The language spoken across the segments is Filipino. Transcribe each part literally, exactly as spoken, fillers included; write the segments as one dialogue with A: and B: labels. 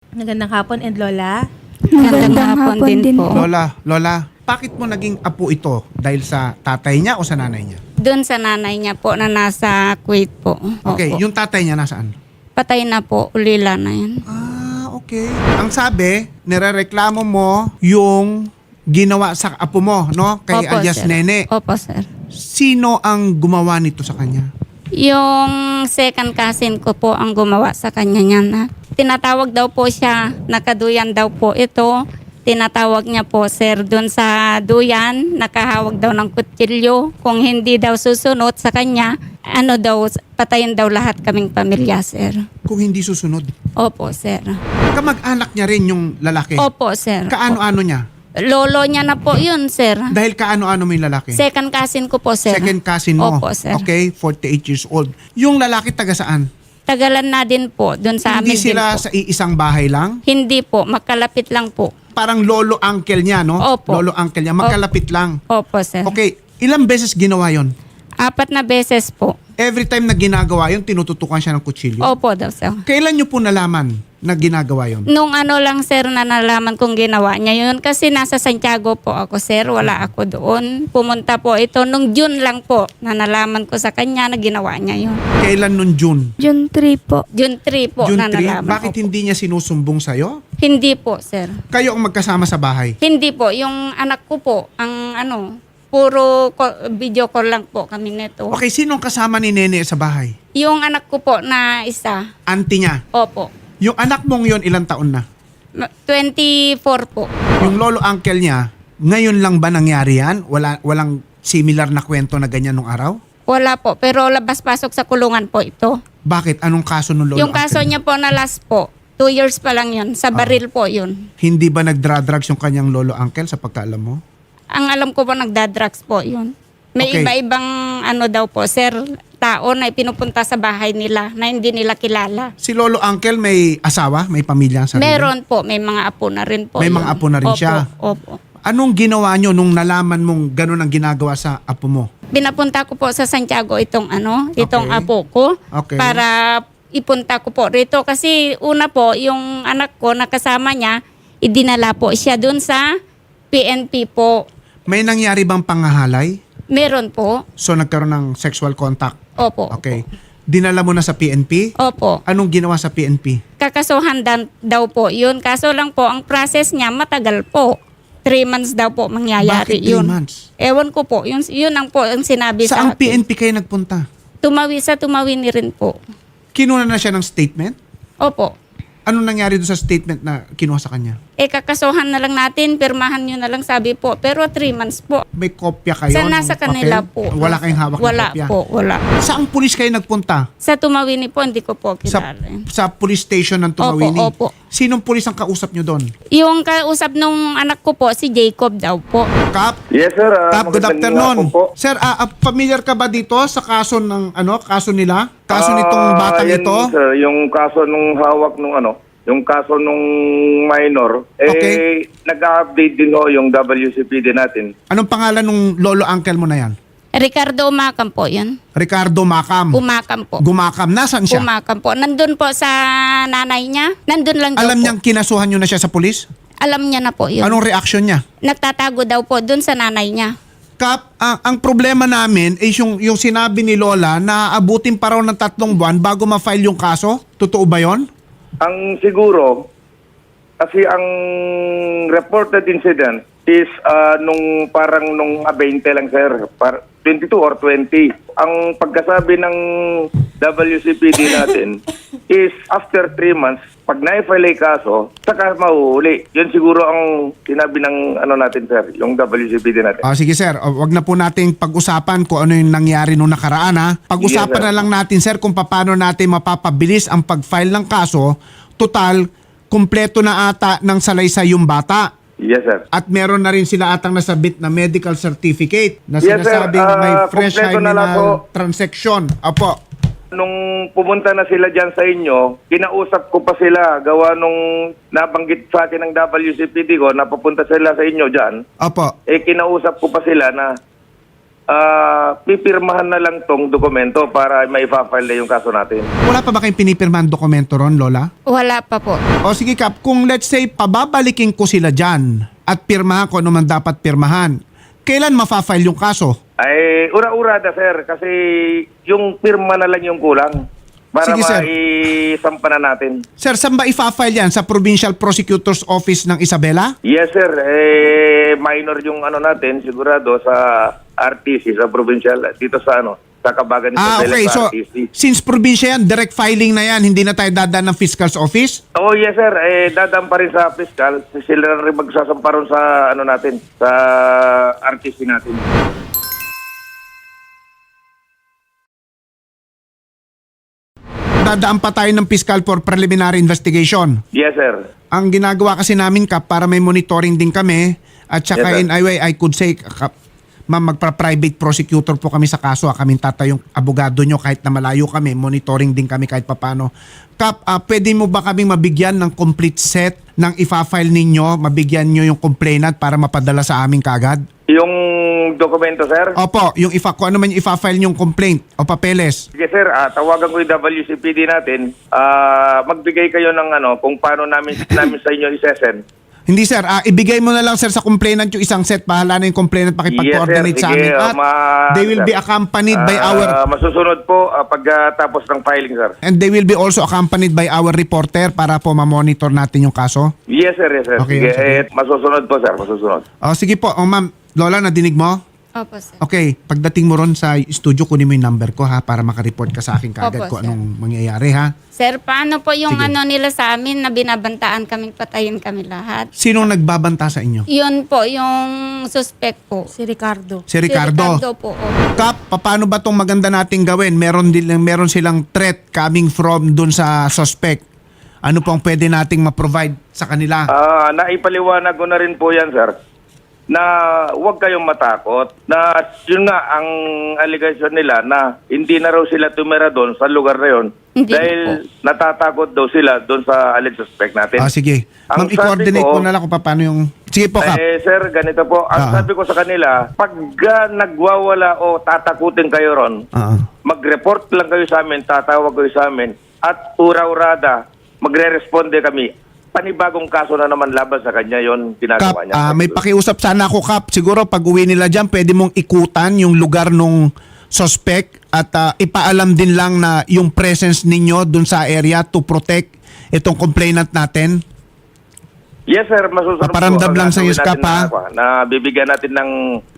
A: Magandang hapon, and Lola.
B: Magandang hapon din po.
C: Lola, Lola, bakit mo naging apo ito? Dahil sa tatay niya o sa nanay niya?
B: Doon sa nanay niya po na nasa Kuwait po.
C: Okay,
B: Opo.
C: yung tatay niya nasaan?
B: Patay na po, ulila na yan.
C: Ah, okay. Ang sabi, nirereklamo mo yung ginawa sa apo mo, no? Kay
B: Opo,
C: alias
B: sir.
C: Nene.
B: Opo, sir.
C: Sino ang gumawa nito sa kanya?
B: Yung second cousin ko po ang gumawa sa kanya niyan. Ha? Tinatawag daw po siya, nakaduyan daw po ito. Tinatawag niya po, sir, doon sa duyan, nakahawag daw ng kutsilyo. Kung hindi daw susunod sa kanya, ano daw, patayin daw lahat kaming pamilya, sir.
C: Kung hindi susunod.
B: Opo, sir.
C: Kamag-anak niya rin yung lalaki.
B: Opo, sir.
C: Kaano-ano niya?
B: Lolo niya na po yun, sir.
C: Dahil kaano-ano mo yung lalaki?
B: Second cousin ko po, sir.
C: Second cousin mo.
B: Opo, sir.
C: Okay, forty-eight years old. Yung lalaki taga saan?
B: Tagalan na din po, doon sa
C: Hindi
B: amin
C: sila
B: din po.
C: sa iisang bahay lang?
B: Hindi po, makalapit lang po.
C: Parang lolo uncle niya, no?
B: Opo.
C: Lolo uncle niya, magkalapit lang.
B: Opo, sir.
C: Okay, ilang beses ginawa yon?
B: Apat na beses po.
C: Every time na ginagawa yon, tinututukan siya ng kutsilyo.
B: Opo daw, sir.
C: Kailan niyo po nalaman na ginagawa yon?
B: Nung ano lang, sir, na nalaman kong ginawa niya yun. Kasi nasa Santiago po ako, sir. Wala ako doon. Pumunta po ito. Nung June lang po, na nalaman ko sa kanya na ginawa niya yun.
C: Kailan nun June?
D: June three po.
B: June three po
C: June
B: na
C: three?
B: nalaman
C: Bakit
B: ko po.
C: hindi niya sinusumbong sa'yo?
B: Hindi po, sir.
C: Kayo ang magkasama sa bahay.
B: Hindi po. Yung anak ko po, ang ano, puro ko- video call lang po kami nito.
C: Okay, sinong kasama ni Nene sa bahay?
B: Yung anak ko po na isa,
C: Auntie niya.
B: opo,
C: Yung anak mong yon ilang taon na?
B: ma- twenty-four po.
C: Yung lolo uncle niya, ngayon lang ba nangyari yan? Wala, walang similar na kwento na ganyan nung araw?
B: Wala po, pero labas-pasok sa kulungan po ito.
C: Bakit? Anong kaso nung lolo
B: Yung kaso
C: uncle
B: niya po na last po, two years pa lang yun, sa baril po yun.
C: Hindi ba nagdra-drugs yung kanyang lolo uncle sa pagkaalam mo?
B: Ang alam ko po, nagdadrugs po yun. May
C: Okay.
B: iba-ibang ano daw po, sir, tao na pinupunta sa bahay nila na hindi nila kilala.
C: Si lolo uncle may asawa? May pamilya ang sarili?
B: Meron po, may mga apo na rin po.
C: May
B: yun.
C: mga apo na rin
B: Opo,
C: siya?
B: Opo.
C: Anong ginawa nyo nung nalaman mong ganun ang ginagawa sa apo mo?
B: Pinapunta ko po sa Santiago itong ano, itong
C: Okay.
B: apo ko
C: Okay.
B: para ipunta ko po rito kasi una po yung anak ko nakasama niya, idinala po siya dun sa P N P po.
C: May nangyari bang pangahalay?
B: Meron po.
C: So nagkaroon ng sexual contact?
B: Opo.
C: Okay. Dinala mo na sa P N P?
B: Opo.
C: Anong ginawa sa P N P?
B: Kakasuhan dan, daw po yun. Kaso lang po, ang process niya matagal po. Three months daw po mangyayari
C: Bakit three
B: yun.
C: months?
B: Ewan ko po. Yun, yun ang po ang sinabi
C: Saan
B: sa
C: P N
B: akin.
C: P kayo nagpunta?
B: Tumawi sa tumawi ni rin po.
C: Kinuha na siya ng statement?
B: Opo.
C: Anong nangyari doon sa statement na kinuha sa kanya?
B: Eh, kakasuhan na lang natin, pirmahan nyo na lang sabi po. Pero three months po.
C: May kopya kayo?
B: Sa
C: ng
B: nasa
C: papel?
B: kanila po.
C: Wala kayong hawak
B: Wala
C: ng kopya?
B: po, wala.
C: Saang pulis kayo nagpunta?
B: Sa Tumawini po, hindi ko po
C: Sa,
B: kilala.
C: sa police station ng Tumawini?
B: Opo, opo.
C: Sinong pulis ang kausap nyo doon?
B: Yung kausap nung anak ko po, si Jacob daw po.
C: Kap?
E: Yes, sir. Ah,
C: Kap, good
E: magandang
C: afternoon.
E: hapon po.
C: Sir, ah, ah, familiar ka ba dito sa kaso ng ano, kaso nila? Kaso nitong
E: Ah,
C: batang
E: yan,
C: ito?
E: Sir, yung kaso nung hawak nung ano, yung kaso nung minor, eh,
C: Okay.
E: nag-update din ho yung W C P D natin.
C: Anong pangalan nung lolo uncle mo na yan?
B: Ricardo Umakam po yun.
C: Ricardo Macam.
B: Umakam po.
C: Gumakam. Nasaan siya?
B: Umakam po. Nandun po sa nanay niya. Nandun lang daw
C: Alam
B: po.
C: niyang kinasuhan nyo na siya sa pulis?
B: Alam niya na po yun.
C: Anong reaction niya?
B: Nagtatago daw po dun sa nanay niya.
C: Kap, ang, ang problema namin is yung, yung sinabi ni Lola na abutin pa raw ng tatlong buwan bago ma-file yung kaso. Totoo ba yon?
E: Ang siguro, kasi ang reported incident is ah, nung parang nung ah, twenty lang, sir. Par- twenty-two or twenty. Ang pagkasabi ng W C P D natin is after three months, pag na-file yung kaso, saka mahuhuli. Yun siguro ang sinabi ng ano natin, sir, yung W C P D natin.
C: Ah, sige sir, O, wag na po nating pag-usapan kung ano yung nangyari nung nakaraan ha. Pag-usapan
E: Yes, sir.
C: na lang natin sir kung paano natin mapapabilis ang pag-file ng kaso. Total, kumpleto na ata ng salaysay yung bata.
E: Yes, sir.
C: At meron na rin sila atang nasabit na medical certificate na
E: Yes, sir.
C: sinasabing
E: Ah,
C: may fresh
E: kumpleto na lang
C: hymenal
E: po.
C: transaction. Apo.
E: Nung pumunta na sila dyan sa inyo, kinausap ko pa sila. Gawa nung nabanggit sa akin ng W C P D ko, napapunta sila sa inyo dyan.
C: Apo.
E: Eh, kinausap ko pa sila na ah, pipirmahan na lang tong dokumento para maipafile na yung kaso natin.
C: Wala pa ba kayong pinipirmahan dokumento ron, Lola?
B: Wala pa po.
C: O sige Kap, kung let's say pababalikin ko sila dyan at pirmahan ko ano man dapat pirmahan, kailan mafafile yung kaso?
E: Ay, ura-urada, sir, kasi yung pirma na lang yung kulang para
C: Sige, sir.
E: maisampa na natin.
C: Sir, saan ba i-file yan? Sa Provincial Prosecutor's Office ng Isabela?
E: Yes, sir. Eh, minor yung ano natin, sigurado sa R T C, sa provincial, dito sa ano, sa Kabagan
C: Ah,
E: Isabela
C: okay.
E: sa
C: So,
E: R T C.
C: since probinsya yan, direct filing na yan. Hindi na tayo dadaan ng Fiscal's Office?
E: Oh, yes, sir. Eh, dadaan pa rin sa fiscal. Sila na rin magsasampa rin sa ano natin, sa R T C natin.
C: Dadaan pa tayo ng Fiscal for preliminary investigation.
E: Yes, sir.
C: Ang ginagawa kasi namin, Kap, para may monitoring din kami, at saka
E: Yes, sir.
C: in a way, I could say, Kap, ma'am, magpa-private prosecutor po kami sa kaso. ah. Kaming tatayong abogado nyo kahit na malayo kami. Monitoring din kami kahit papano. Kap, ah, pwede mo ba kaming mabigyan ng complete set ng ifa-file ninyo? Mabigyan nyo yung complainant para mapadala sa amin kagad?
E: Yung dokumento, sir?
C: Opo, yung ifa, kung ano man yung ifa-file yung complaint o papeles.
E: Sige, sir. Ah, tawagan ko yung W C P D natin. Ah, magbigay kayo ng ano, kung paano namin, namin sa inyo isesend.
C: Hindi sir, ah, ibigay mo na lang sir sa complainant yung isang set. Bahala na yung complainant pakipag-coordinate
E: Yes, sir.
C: sa amin.
E: Sige,
C: At
E: ma-
C: they will be accompanied by
E: Ah,
C: our
E: Masusunod po ah, pagkatapos ng filing, sir.
C: and they will be also accompanied by our reporter para po ma-monitor natin yung kaso.
E: Yes, sir. Yes, sir.
C: Okay,
E: sige,
C: sige.
E: eh, masusunod po, sir. Masusunod.
C: Oh, sige po, oh, ma'am. Lola, nadinig mo?
B: Opo, sir.
C: Okay, pagdating mo ron sa studio, kunin mo yung number ko ha para makareport ka sa akin
B: Opo,
C: kagad kung
B: sir.
C: anong mangyayari ha.
B: Sir, paano po yung
C: Sige.
B: ano nila sa amin na binabantaan kaming patayin kami lahat?
C: Sinong nagbabanta sa inyo?
B: Yun po, yung suspect po.
A: Si Ricardo.
C: Si Ricardo.
B: Si Ricardo po. opo.
C: Kap, paano ba tong maganda nating gawin? Meron din meron silang threat coming from dun sa suspect. Ano pong pwede nating ma-provide sa kanila?
E: Ah, naipaliwanag ko na rin po yan, sir, na huwag kayong matakot. Na yun nga, ang allegation nila na hindi na raw sila tumira doon sa lugar na yun
B: Hindi
E: dahil natatakot daw sila doon sa alleged suspect natin.
C: Ah, sige.
E: Ang
C: Ma'am, i-coordinate
E: sabi ko-
C: ko na lang kung paano yung... Sige po, Kap.
E: Eh, sir, ganito po. Ang
C: Ah.
E: sabi ko sa kanila, pag ah, nagwawala o tatakutin kayo ron,
C: Ah, ah.
E: mag-report lang kayo sa amin, tatawag kayo sa amin, at ura-urada, magre-responde kami. Panibagong kaso na naman laban sa kanya, yon
C: Kap,
E: ginagawa niya.
C: ah, may pakiusap sana ako, Kap. Siguro pag uwi nila dyan, pwede mong ikutan yung lugar nung suspect at ah, ipaalam din lang na yung presence ninyo dun sa area to protect itong complainant natin.
E: Yes, sir. Masusunod
C: Paparamdam
E: po.
C: lang sa iyo,
E: Gagawin natin
C: Skap,
E: na, na bibigyan natin ng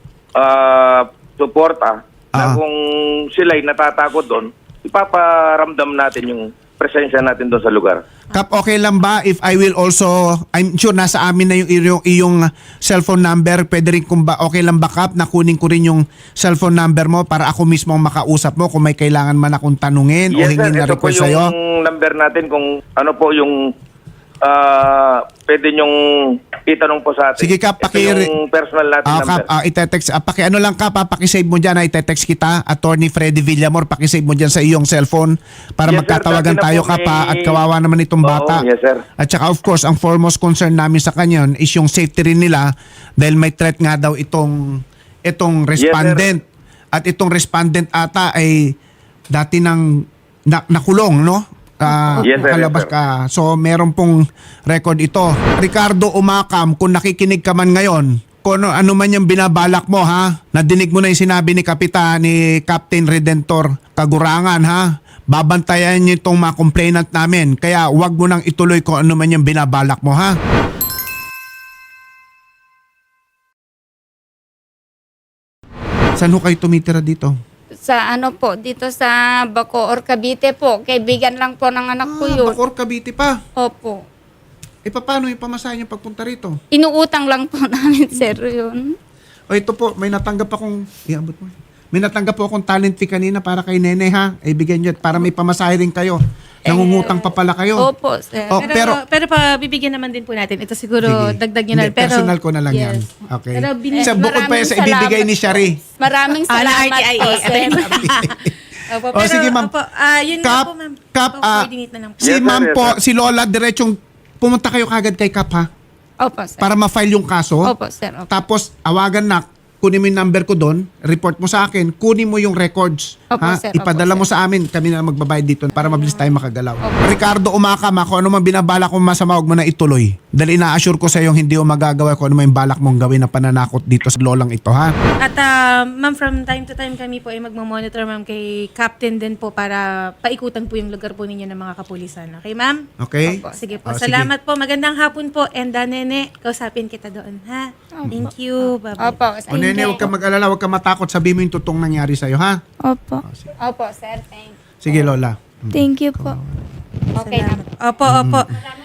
E: ah, suporta na
C: Ah.
E: kung sila'y natatakot doon, ipaparamdam natin yung presensya natin doon sa lugar.
C: Kap, okay lang ba if I will also, I'm sure nasa amin na yung iyong, iyong cellphone number, pwede rin kung ba, okay lang ba Kap, na kunin ko rin yung cellphone number mo para ako mismo ang makausap mo kung may kailangan man akong tanungin o
E: Yes,
C: hingin
E: sir.
C: na
E: Ito po
C: request
E: yung
C: sa'yo?
E: number natin kung ano po yung ah, pwede nyong itanong po sa atin.
C: Sige, Kap,
E: Ito
C: paki-
E: yung personal natin
C: Ah,
E: number.
C: Kap, ah, itetext, ah, paki, ano lang Kap, ah, pakisave mo dyan, ah, itetext kita, Attorney Freddy Villamor, pakisave mo dyan sa iyong cellphone para
E: Yes, sir.
C: magkatawagan
E: Dati na
C: tayo
E: po
C: Kap, ah,
E: may-
C: at kawawa naman itong
E: Oo,
C: bata.
E: yes, sir.
C: At saka of course, ang foremost concern namin sa kanya is yung safety rin nila dahil may threat nga daw itong itong respondent. At itong respondent ata ay dati nang na, nakulong, no? Ah,
E: Yes, sir,
C: nakalabas
E: yes, sir.
C: ka. So meron pong record ito. Ricardo Umakam, kung nakikinig ka man ngayon, kung ano, ano man yung binabalak mo ha, nadinig mo na yung sinabi ni Kapitan, ni Captain Redentor Kagurangan ha, babantayan niyo itong mga complainant namin. Kaya wag mo nang ituloy kung ano man yung binabalak mo ha. Saan ho kayo tumitira dito?
B: Sa ano po, dito sa Bacoor, Cavite po. Kaibigan lang po ng anak ko
C: Ah,
B: yun.
C: Bacoor, Cavite pa.
B: Opo.
C: E paano yung pamasahe niyo pagpunta rito?
B: Inuutang lang po namin, sir, yun.
C: O ito po, may natanggap akong, iabot mo. May natanggap po akong talent fee kanina para kay Nene ha. Ay bigyan niyo para may pamasahe rin kayo. Nangungutang pa pala kayo.
B: Opo, sir.
C: Oh,
A: Pero,
C: pero,
A: pero, pa bibigyan naman din po natin. Ito siguro
C: Sige.
A: dagdag nyo na.
C: Hindi,
A: Pero,
C: personal ko na lang yan.
A: Yes.
C: Okay.
A: Pero bini-
C: Sa bukod pa yan sa
B: Maraming
C: ibibigay ni
B: salamat
C: Shari.
B: po. Maraming
A: Ah, na
B: salamat
A: R T I A.
B: po,
A: Ito
B: sir.
A: yung Opo,
C: Oh, sige, ma'am.
A: Opo, ah, yun
C: Kap,
A: na po, ma'am.
C: Kap,
A: Opo,
C: ah,
A: coordinate na lang po.
C: Si
E: Yes, sir,
C: ma'am
E: yes,
C: po,
E: sir.
C: si Lola, diretsong pumunta kayo kagad kay Kap ha.
B: Opo, sir.
C: Para ma-file yung kaso.
B: Opo, sir. Opo.
C: Tapos, awagan na, kunin mo yung number ko doon, report mo sa akin, kunin mo yung records.
B: Opo,
C: ha?
B: sir. Opo,
C: Ipadala
B: sir.
C: mo sa amin, kami na magbabayad dito para mabilis tayo makagalaw. Ricardo Umakam, ako ano man binabala kong masama, huwag mo na ituloy. Dahil ina-assure ko sa iyo hindi mo magagawa kung ano man yung balak mong gawin na pananakot dito sa lolang ito, ha?
A: At ah, ma'am, from time to time kami po ay magmamonitor, ma'am, kay Captain din po para paikutan po yung lugar po ninyo ng mga kapulisan. Okay, ma'am?
C: Okay?
B: Opo.
A: Sige po.
C: Oh, sige.
A: Salamat po. Magandang hapon po. And uh, Nene, kausapin kita doon, ha? Thank you. Bye-bye.
B: Opo.
C: O nene, huwag ka mag-alala, huwag ka matakot. Sabihin mo yung totoong nangyari sa'yo, ha?
D: Opo.
B: Opo, sir. Thank you.
C: Sige, Lola.
D: Thank you po.
B: Okay na.
A: Opo, opo.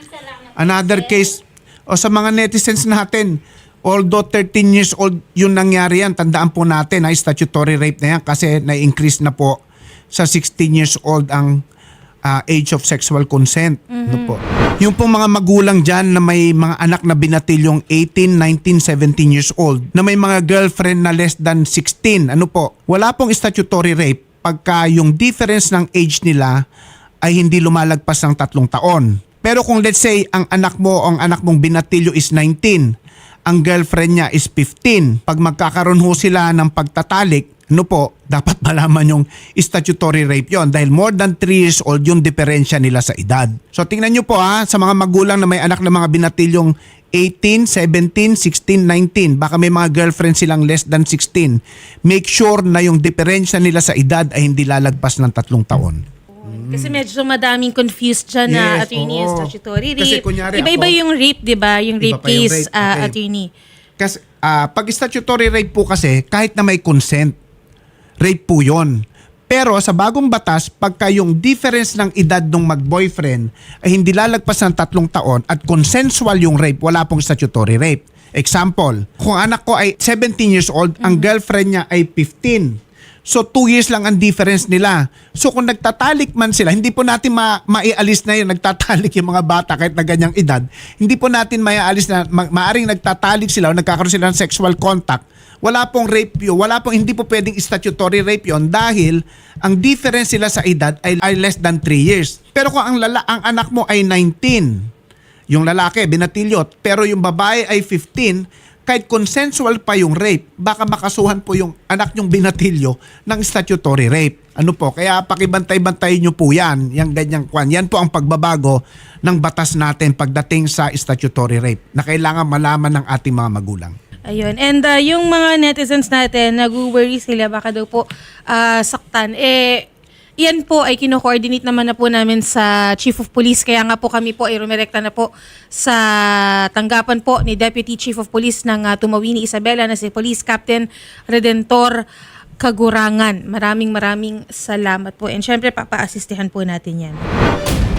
C: Another case, o sa mga netizens natin, although thirteen years old yung nangyari yan, tandaan po natin, ha, statutory rape na yan kasi na-increase na po sa sixteen years old ang ah, age of sexual consent. Ano po? Yung pong mga magulang dyan na may mga anak na binatilyong eighteen, nineteen, seventeen years old, na may mga girlfriend na less than sixteen, ano po? Wala pong statutory rape pagka yung difference ng age nila ay hindi lumalagpas ng tatlong taon. Pero kung let's say ang anak mo o ang anak mong binatilyo is nineteen, ang girlfriend niya is fifteen, pag magkakaroon ho sila ng pagtatalik, ano po, dapat malaman yung statutory rape yon dahil more than three years old yung diferensya nila sa edad. So tingnan nyo po ha, sa mga magulang na may anak na mga binatilyong eighteen, seventeen, sixteen, nineteen, baka may mga girlfriend silang less than sixteen, make sure na yung diferensya nila sa edad ay hindi lalagpas ng tatlong taon.
A: Kasi medyo madaming confused dyan na
C: Yes,
A: attorney
C: oo.
A: and statutory rape.
C: Kasi kunyari
A: Iba-iba
C: ako-
A: yung rape, di ba? Yung
C: Iba
A: rape
C: pa yung
A: case,
C: rape.
A: ah,
C: Okay.
A: attorney.
C: Kasi ah, pag statutory rape po kasi, kahit na may consent, rape po yun. Pero sa bagong batas, pagka yung difference ng edad ng mag-boyfriend ay hindi lalagpas ng tatlong taon at consensual yung rape, wala pong statutory rape. Example, kung anak ko ay seventeen years old, ang girlfriend niya ay fifteen. So two years lang ang difference nila. So kung nagtatalik man sila, hindi po natin ma- maialis na yun, nagtatalik yung mga bata kahit na ganyang edad. Hindi po natin maialis na ma- maaring nagtatalik sila o nagkakaroon sila ng sexual contact. Wala pong rape yun, wala pong, hindi po pwedeng statutory rape yun dahil ang difference sila sa edad ay, ay less than three years. Pero kung ang, lala, ang anak mo ay nineteen, yung lalaki, binatilyot, pero yung babae ay fifteen, kahit consensual pa yung rape, baka makasuhan po yung anak nyong binatilyo ng statutory rape. Ano po? Kaya pakibantay-bantay nyo po yan, yung ganyang kwan. Yan po ang pagbabago ng batas natin pagdating sa statutory rape na kailangan malaman ng ating mga magulang.
A: Ayun. And uh, yung mga netizens natin, nag-worry sila, baka daw po ah, saktan. Eh, yan po ay kino-coordinate naman na po namin sa Chief of Police. Kaya nga po kami po ay rumirekta na po sa tanggapan po ni Deputy Chief of Police ng uh, Tumawini Isabela na si Police Captain Redentor Kagurangan. Maraming maraming salamat po. And syempre, papa-assistihan po natin yan.